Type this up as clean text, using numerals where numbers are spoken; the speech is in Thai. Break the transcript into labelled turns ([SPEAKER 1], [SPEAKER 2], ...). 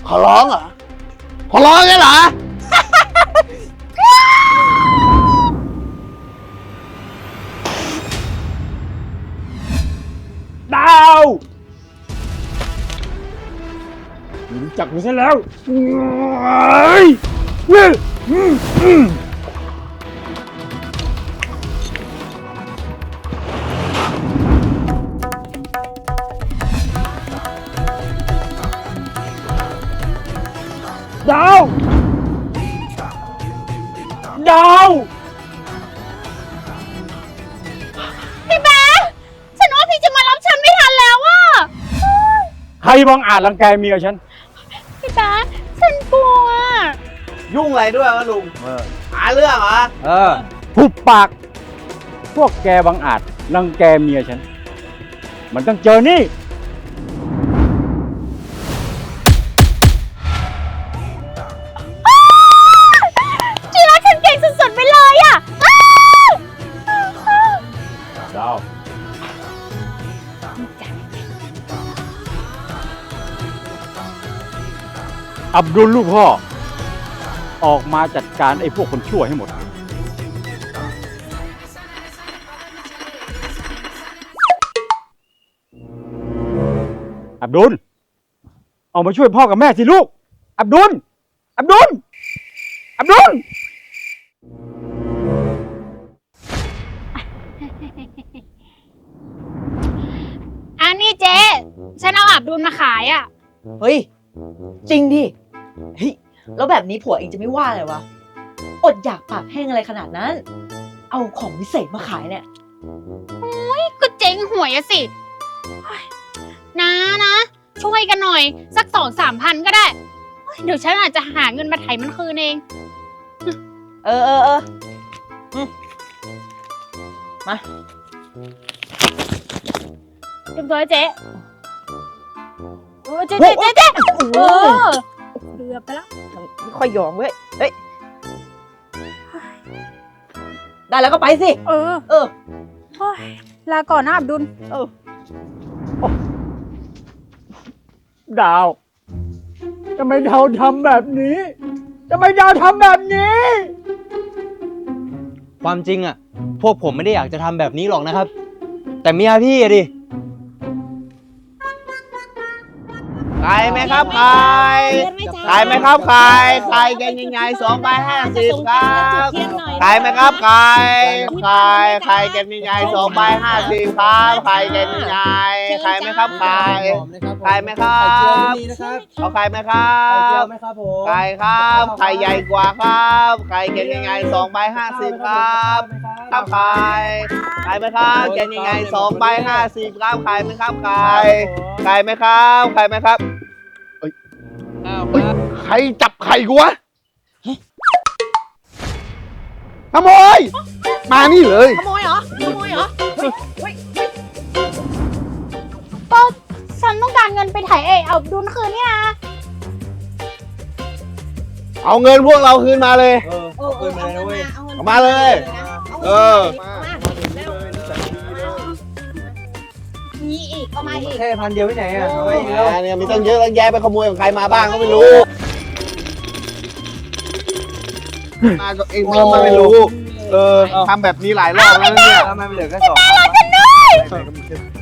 [SPEAKER 1] ขอร้องเหรอขอร้องไงเหรอ
[SPEAKER 2] ดาวรู้จักกูซะแล้วดาวดาว
[SPEAKER 3] พี่แบ๊ะฉันว่าพี่จะมารับฉันไม่ทันแล้วอะ
[SPEAKER 2] ใครบังอาจรังแกเมียฉัน
[SPEAKER 3] พี่แบ๊ะฉันกลัว
[SPEAKER 1] ยุ่งอะไรด้วยวะลุงหาเรื่องเหรอ
[SPEAKER 2] หุบปาก พวกแกบังอาจรังแกเมียฉัน มันต้องเจอนี่
[SPEAKER 3] ที่รักฉันเก่งสุดๆไปเลยอะอ้าว
[SPEAKER 2] ดาว อับดุลลูกพ่อ ออกมาจัดการไอ้พวกคนชั่วให้หมด อับดุล เอามาช่วยพ่อกับแม่สิลูก อับดุล อับดุล อับดุล
[SPEAKER 3] อันนี้เจ๊ฉันเอาอับดุลมาขายอะ
[SPEAKER 4] เฮ้ย จริงดิเฮ้ยแล้วแบบนี้ผัวเองจะไม่ว่าเลยวะ อดอยากปากแห้งอะไรขนาดนั้น เอาของวิเศษมาขายเนี่ย
[SPEAKER 3] ก็เจ๊งหวยอะสิเฮ้ยนะช่วยกันหน่อย สัก2-3 พันก็ได้เฮ้ยเดี๋ยวฉันอาจจะหาเงินมาไถ่มันคืนเอง
[SPEAKER 4] เออมา
[SPEAKER 3] เรียบร้อยเจ๊โอ้เจ๊เออเดือบไปแล้ว
[SPEAKER 4] ไม่ค่อยยอมเว้ย เฮ้ย ได้แล้วก็ไปสิ
[SPEAKER 3] เออ
[SPEAKER 4] เออ
[SPEAKER 3] โอ้ยลาก่อนนะอับดุล
[SPEAKER 4] เออ
[SPEAKER 2] ดาว ทำไมดาวทำแบบนี้ ทำไมดาวทำแบบนี้
[SPEAKER 5] ความจริงอ่ะ พวกผมไม่ได้อยากจะทำแบบนี้หรอกนะครับ แต่เมียพี่อะดิ
[SPEAKER 1] ใครไหมครับใครใครไหมครับใครใครแกงยังไง250ครับใครไหมครับใครใครแกงยังไง250ครับใครแกงยังไงใครไหมครับใครใครไหมครับเอาใครไหมครับใครครับใครใหญ่กว่าครับใครแกงยังไง250ครับครับใครไหมครับแกงยังไง250ครับใครไหมครับใครไหมครับใครไหมครับเฮ้ยใครจับไข่กูวะขโมยมานี่เลย
[SPEAKER 4] ขโมยเหรอ
[SPEAKER 3] ก็ฉันต้องการเงินไปไถ่อับดุลคืนนี่นะ
[SPEAKER 1] เอาเงินพวกเราคืนมาเลย เอามาเลย เออ
[SPEAKER 3] มีอีกเอามาอีก
[SPEAKER 5] แค่พันเดียวที่ไหนอ่ะ
[SPEAKER 1] เนี่ยมีตั้งเยอะตั้งแยะไปขโมยของใครมาบ้างก็ไม่รู้มาก็เองก็ไม่รู้ ทำแบบนี้หลายรอบแล้วเนี่ย
[SPEAKER 5] ทำไมมันเหลือแค่2,000